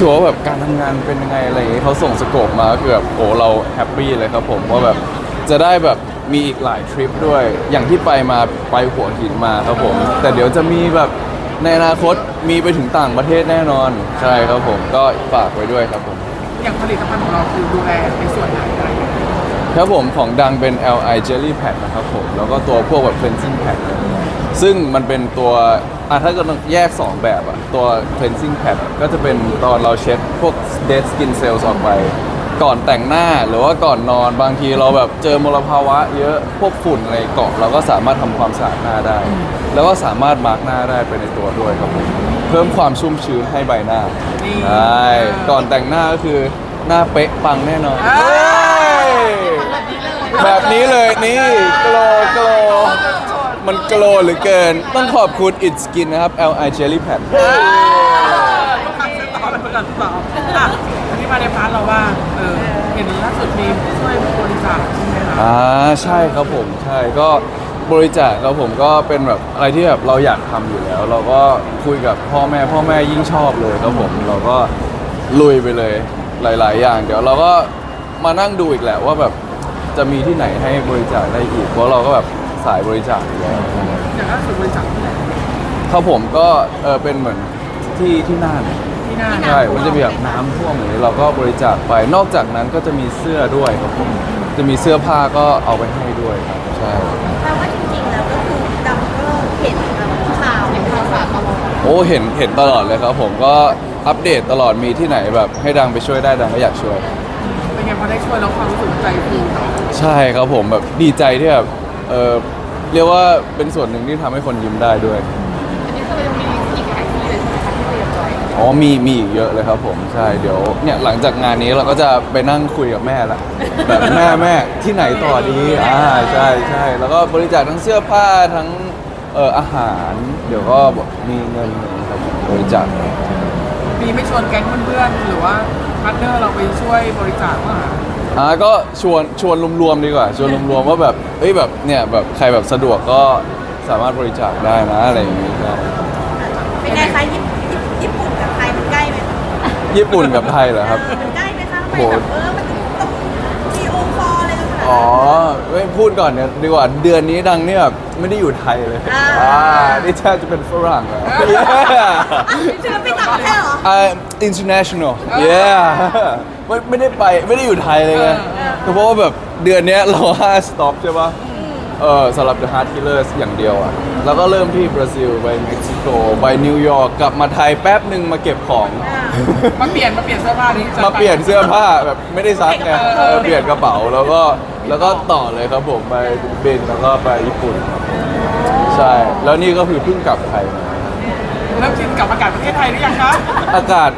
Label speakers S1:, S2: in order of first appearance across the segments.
S1: ชัวร์ว่าแบบการทำงานเป็นยังไงอะไรอย่างเงี้ยเขาส่งสโคปมาก็คือแบบโอ้เราแฮปปี้เลยครับผมว่าแบบจะได้แบบมีอีกหลายทริปด้วยอย่างที่ไปหัวหินมาครับผมแต่เดี๋ยวจะมีแบบในอนาคตมีไปถึงต่างประเทศแน่นอนใช่ครับผมก็ฝากไว้ด้วยครับผม
S2: อย่างผลิตภัณฑ์ของเราคือดูแลในส่วนไหนอะไรอย่างเงี้ย
S1: ครับผมของดังเป็น LI Jelly Pad นะครับผมแล้วก็ตัวพวกแบบ cleansing pad ซึ่งมันเป็นตัวถ้าเกิดแยก 2 แบบตัว cleansing pad ก็จะเป็นตอนเราเช็ดพวก dead skin cells ออกไปก่อนแต่งหน้าหรือว่าก่อนนอนบางทีเราแบบเจอมลภาวะเยอะพวกฝุ่นอะไรเกาะเราก็สามารถทำความสะอาดหน้าได้ แล้วก็สามารถมาร์กหน้าได้ไปในตัวด้วยครับผมเพิ่มความชุ่มชื้นให้ใบหน้าใช่ก่อนแต่งหน้าก็คือหน้าเป๊ะปังแน่นอนแบบนี้เลยนี่โกลโกลมันโกลเหลือเกินต้องขอบคุณ It Skin นะครับ LI Jelly Pad
S2: ต้องการซื้อต่อเป็นการต่ออันนี้มาในพาร์ทเราว่าเห็นล่าสุดมีช่วยบริจาคใช่ไหมคะ
S1: ใช่ครับผมใช่ก็บริจาคครับผมก็เป็นแบบอะไรที่แบบเราอยากทำอยู่แล้ว เราก็คุยกับพ่อแม่ยิ่งชอบเลยครับผมเราก็ลุยไปเลยหลายๆอย่างเดี๋ยวเราก็มานั่งดูอีกแหละว่าแบบจะมีที่ไหนให้บริจาคได้อีกเพราะเราก็แบบสายบริจาคอยู่แล้ว
S2: อย่างล่าสุดบริจาคที่ไหน
S1: ครับผมก็เป็นเหมือนที่น่านใช่มันจะมีแบบน้ำท่วมอย่างนี้เราก็บริจาคไปนอกจากนั้นก็จะมีเสื้อด้วยครับผมจะมีเสื้อผ้าก็เอาไปให้ด้วยครับใช่
S3: แปลว่าจริงๆแล้วก็คือดำก็เห็นข่าวตลอด
S1: โอ้เห็นตลอดเลยครับผมก็อัปเดตตลอดมีที่ไหนแบบให้ดังไปช่วยได้ดังก็อยากช่วย
S2: เป็นไงพอได้ช่วยแล้วความรู้สึกใจฟู
S1: ใช่ครับผมแบบดีใจที่แบบเรียกว่าเป็นส่วนหนึ่งที่ทำให้คนยิ้มได้ด้วย
S2: อันนี้คือยังมีอีกหลายที่เลยใช่ไหมคะที่เรียนจอย
S1: อ๋อมีอีกเยอะเลยครับผมใช่เดี๋ยวเนี่ยหลังจากงานนี้เราก็จะไปนั่งคุยกับแม่ละแบบแม่ที่ไหนต่อดีใช่แล้วก็บริจาคทั้งเสื้อผ้าทั้งอาหารเดี๋ยวก็มีเงินครับบริจาค
S2: มีไม่ชวนแก๊งเพื่อนๆหรือว่าพาร์ทเนอร์เราไปช่วยบริจาคบ้าง
S1: ก็ชวนรวมๆดีกว่าชวนรวมๆว่าแบบแบบเนี่ยแบบใครแบบสะดวกก็สามารถบริจาคได้นะอะไรอย่างงี้ครับ
S3: เป็นไงคะญี่ปุ่นกับไทยมันใกล้ไหม
S1: ญี่ปุ่นกับไทยเหรอครับ
S3: มันใกล้ไหมคะทำไมแบบมันต้องวีดีโอคอลอะไรกันขนาด
S1: ไม่พูดก่อนเนี่ยดีกว่าเดือนนี้ดังเนี่ยแบบไม่ได้อยู่ไทยเลยนี่แทบจะเป็นฝรั่งแล้ว
S3: จะไปต่างประเทศเหรอ
S1: international yeah ไม่ได้อยู่ไทยเลยไงเพราะว่าแบบเดือนนี้เรา5 stop ใช่ปะสำหรับ The Heart Killers อย่างเดียวแล้วก็เริ่มที่บราซิลไปเม็กซิโกไปนิวยอร์กกลับมาไทยแป๊บหนึ่งมาเก็บของ
S2: มาเปลี่ยนเสื้อผ้านี้
S1: มาเปลี่ยนเสื้อผ้าแบบไม่ได้ซักไงเปลี่ยนกระเป๋าแล้วก็ต่อเลยครับผมไปบินแล้วก็ไปญี่ปุ่นใช่แล้วนี่ก็คือเพิ่งกลับไทยมา
S2: เริ่มชินกับอากาศประเทศไทยหรือยังคะ
S1: อากาศ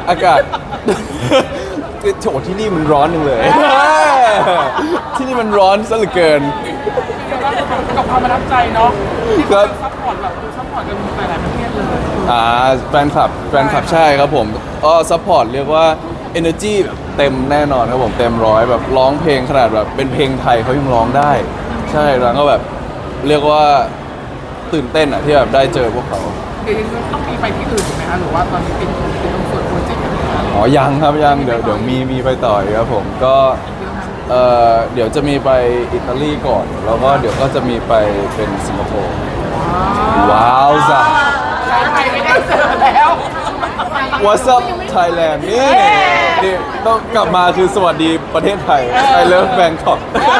S1: โถที่นี่มันร้อนนึงเลยที่นี่มันร้อนซะเหลือเกิน
S2: กับความประทับใจเนาะที่เขาซัพพอร์ตแบบซัพพอร์ตกันหลายประเทศเลย
S1: แฟนคลับใช่ครับผมก็ซัพพอร์ตเรียกว่า energy แบบเต็มแน่นอนครับผมเต็มร้อยแบบร้องเพลงขนาดแบบเป็นเพลงไทยเขายังร้องได้ใช่แล้วก็แบบเรียกว่าตื่นเต้นที่แบบได้เจอพวกเขา
S2: เดี๋ยวต้องมีไปที่อื่นถูกไหมคะหรือว่าตอนนี้เป็นตรงส่วนโปรเจกต์
S1: ยังครับยังเดี๋ยวมีไปต่อครับผมก็เดี๋ยวจะมีไปอิตาลีก่อนแล้วก็เดี๋ยวก็จะมีไปเป็นสิงคโปร์ว้าวจ้ะ
S2: ไทยไม่ได้เจอแล้ว
S1: What's up Thailand นี่ต้องกลับมาคือสวัสดีประเทศไทย I love Bangkok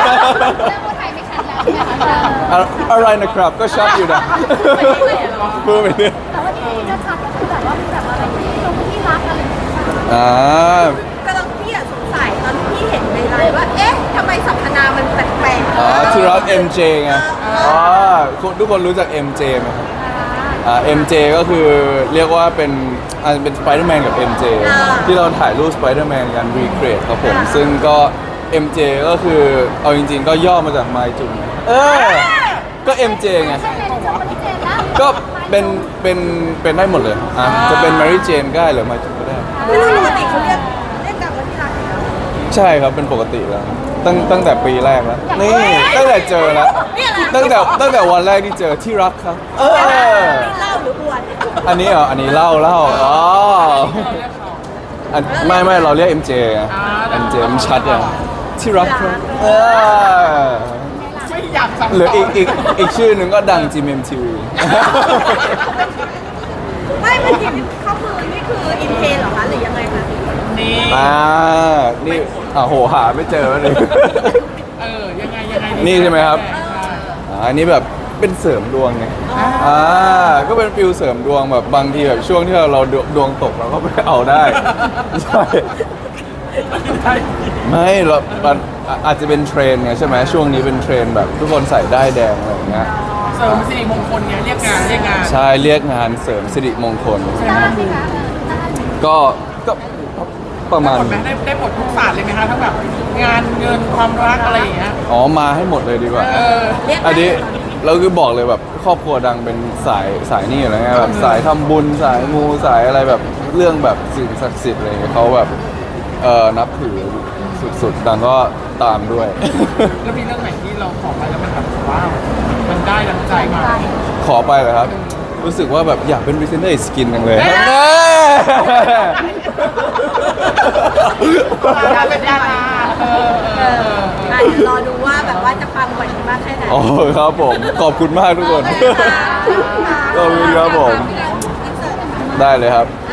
S1: อะไรนะครับก็ชัดอยู่นะพูดไปเรื่อย
S3: แต่ว่าที่จะชัดก็คือแบบว่ามีแบบอะไรที่รักอะไรกำลังพี่สงสัยตอนที่พี่เห็นในไลน์ว่าเอ๊ะทำไมสรรพนามมันแปลกๆ
S1: ที่รัก MJ ไงทุกคนรู้จัก MJ ไหมครับMJ ก็คือเรียกว่าเป็นสไปเดอร์แมนกับ MJ ที่เราถ่ายรูปสไปเดอร์แมนกันรีเกรดครับผมซึ่งก็ MJ ก็คือเอาจริงๆก็ย่อมาจากไมจุนก็ MJ ไงก็เป็นได้หมดเลยจะเป็น Mary Jane ก็ได้หรือไมจุนก็ได้
S3: ปกติเขาเรียกกันว่าที่รักแล้ว
S1: ใช่ครับเป็นปกติแล้วตั้งแต่ปีแรกแล้วนี่ตั้งแต่เจอแล้วตั้งแต่วันแรกที่เจอที่รักครับ
S3: เล่าหรืออวด
S1: อันนี้เล่าไม่เราเรียก MJ ไง MJ มันชัดอ่ะที่รักครับ
S2: ไม่อยากสัม
S1: หรืออีกชื่อหนึ่งก็ดัง GMMTV
S3: ไม่เมื่อกี้เข้ามือนี่คืออินเทนเหรอคะหรือยังไงคะ
S2: นี่
S1: นี่โหหาไม่เจอเลย
S2: ยังไง
S1: นี่ใช่ไหมครับ อันนี้แบบเป็นเสริมดวงไงก็เป็นฟิลเสริมดวงแบบบางทีแบบช่วงที่เราดวงตกเราก็ไปเอาได้ ใช่ ไม่เรามันอาจจะเป็นเทรนด์ไงใช่ไหมช่วงนี้เป็นเทรนด์แบบทุกคนใส่ได้ายแดงอะไรอย่างเงี้ย
S2: เสริมสิริมงคลไงเรียกงาน
S1: ใช่เรียกงานเสริมสิริมงคล
S3: ได้ไหมคะ
S1: ก็ประมาณ
S2: หมดไหมได้หมดทุกศาสตร์เลยไหมคะทั้งแบบงานเงินความรักอะไรอย่างเงี้ย
S1: มาให้หมดเลยดีกว่า
S3: เรียก
S1: อันนี้เราคือบอกเลยแบบครอบครัวดังเป็นสายนี่อยู่แล้วไงแบบสายทำบุญสายมูสายอะไรแบบเรื่องแบบสิ่งศักดิ์สิทธิ์อะไรอย่างเงี้ยเขาแบบนับถือสุดๆดังก็ตามด้วย
S2: แล้วมีเรื่องไหนที่เราขอไปแล้วมันแบบว้าวมันได้ดังใจมา
S1: ขอไปเลยครับ รู้สึกว่าแบบอยากเป็นพรีเซนเตอร์สกินจังเลย
S2: เอ้ย ดาราเป็นดารา
S3: เดี๋ยวรอดูว่าแบบว่าจะปังกว่านี้มากแค่ไหน
S1: โอ้ครับผมขอบคุณมากทุกคน ขอบคุณครับผม ได้เลยครับ